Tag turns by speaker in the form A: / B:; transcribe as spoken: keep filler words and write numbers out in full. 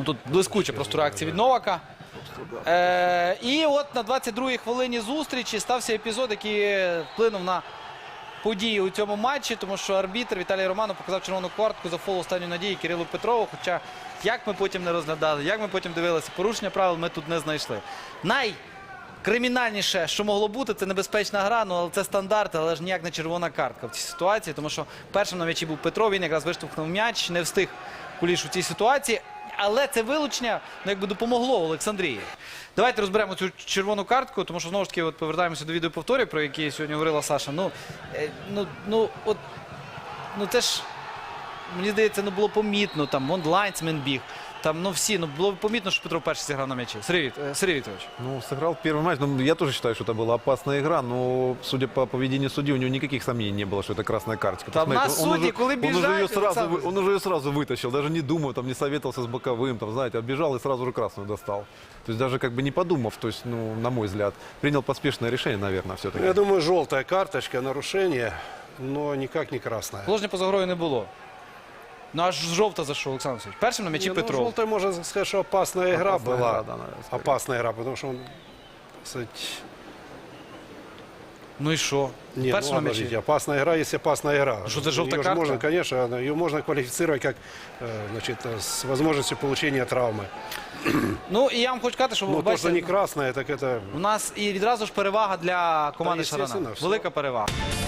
A: Ну, тут блискуча просто реакція від Новака. Е, і от на двадцять другій хвилині зустрічі стався епізод, який вплинув на події у цьому матчі, тому що арбітр Віталій Романов показав червону картку за фол останньої надії Кирилу Петрову. Хоча, як ми потім не розглядали, як ми потім дивилися, порушення правил ми тут не знайшли. Найкримінальніше, що могло бути, це небезпечна гра, ну, але це стандарт, але ж ніяк не червона картка в цій ситуації, тому що першим на м'ячі був Петров, він якраз виштовхнув м'яч, не встиг Куліш у цій ситуації. Але це вилучення, ну, якби допомогло Олександрії. Давайте розберемо цю червону картку, тому що, знову ж таки, от повертаємося до відеоповторів, про які сьогодні говорила Саша. Ну, е, ну, ну, от, ну, це ж, мені здається, ну, було помітно, там, вон лайнсмен біг, там, ну, всі, ну, було помітно, що Петров перший зіграв на м'ячі. Сергій, е, Сергій Вікторович.
B: Ну, сыграл первый матч. Ну, я тоже считаю, что это была опасная игра, но, судя по поведению судьи, у него никаких сомнений не было, что это красная карточка.
A: Там
B: Посмотрите,
A: нас
B: он
A: судьи,
B: уже-
A: коли
B: он уже
A: бежать,
B: ее сразу,
A: Александр.
B: вы- он уже ее сразу вытащил, даже не думая, там, не советовался с боковым, там, знаете, отбежал и сразу же красную достал. То есть даже как бы не подумав, то есть, ну, на мой взгляд, принял поспешное решение, наверное, все-таки.
C: Я думаю, желтая карточка, нарушение, но никак не красная.
A: Положення поза грою не було. Ну, аж жовта за що, Олександр Васильович? Першим на м'ячі
C: Не, ну,
A: Петров.
C: желтая, можно сказать, что опасная игра
B: Опасная
C: была.
B: игра, да, наверное, скорее.
C: Опасная игра, потому что он, так сказать,
A: Ну і що?
C: нет,
A: Першим
C: ну,
A: на
C: подождите,
A: м'ячі.
C: опасная игра, есть опасная игра.
A: Что, это желтая
C: Её же
A: картка?
C: можно, конечно, она- ее можно квалифицировать как, э, значит, э, с возможностью получения травмы.
A: Ну, і я вам хочу сказати, що ви
C: Но то, что не
A: бачите,
C: красная, так это...
A: у нас і відразу ж перевага для команди
C: Та, естественно,
A: Шарана.
C: все.
A: Велика перевага.